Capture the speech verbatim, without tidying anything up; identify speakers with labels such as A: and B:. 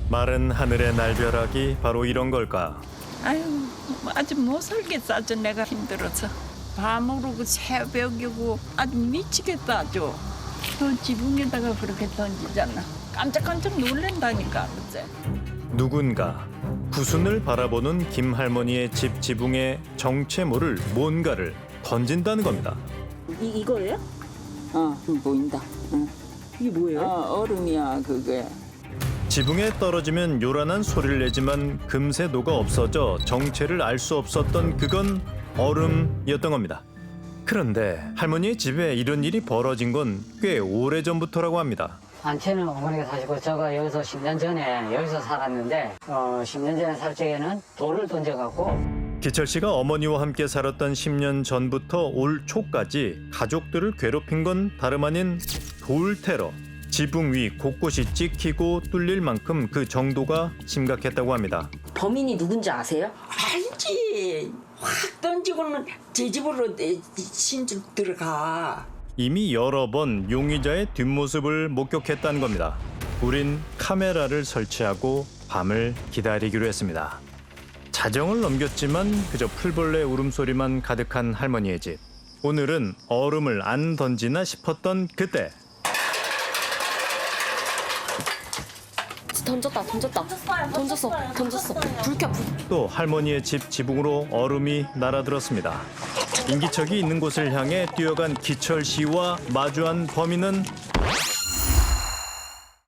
A: 마른 하늘의 날벼락이 바로 이런 걸까?
B: 아유, 아주 못 살겠어. 아주 내가 힘들어서. 밤으로 그 새벽이고 아주 미치겠다 아주. 그 지붕에다가 그렇게 던지잖아. 깜짝깜짝 놀란다니까 그제.
A: 누군가 구순을 바라보는 김할머니의 집 지붕에 정체 모를 뭔가를 던진다는 겁니다.
C: 이 이거예요?
B: 어, 보인다. 응.
C: 이게 뭐예요?
B: 어, 얼음이야 그게.
A: 지붕에 떨어지면 요란한 소리를 내지만 금세 녹아 없어져 정체를 알 수 없었던 그건 얼음이었던 겁니다. 그런데 할머니의 집에 이런 일이 벌어진 건 꽤 오래전부터라고 합니다.
D: 안채는 어머니가 사시고 제가 여기서 십 년 전에 여기서 살았는데 어, 십 년 전에 살 적에는 돌을 던져갖고
A: 기철 씨가 어머니와 함께 살았던 십 년 전부터 올 초까지 가족들을 괴롭힌 건 다름 아닌 돌 테러. 지붕 위 곳곳이 찍히고 뚫릴 만큼 그 정도가 심각했다고 합니다.
C: 범인이 누군지 아세요?
B: 알지. 확 던지고는 제 집으로 내 신줄 들어가.
A: 이미 여러 번 용의자의 뒷모습을 목격했다는 겁니다. 우린 카메라를 설치하고 밤을 기다리기로 했습니다. 자정을 넘겼지만 그저 풀벌레 울음소리만 가득한 할머니의 집. 오늘은 얼음을 안 던지나 싶었던 그때.
E: 던졌다 던졌다 던졌어 던졌어 불 켜 불.
A: 또 할머니의 집 지붕으로 얼음이 날아들었습니다. 인기척이 있는 곳을 향해 뛰어간 기철 씨와 마주한 범인은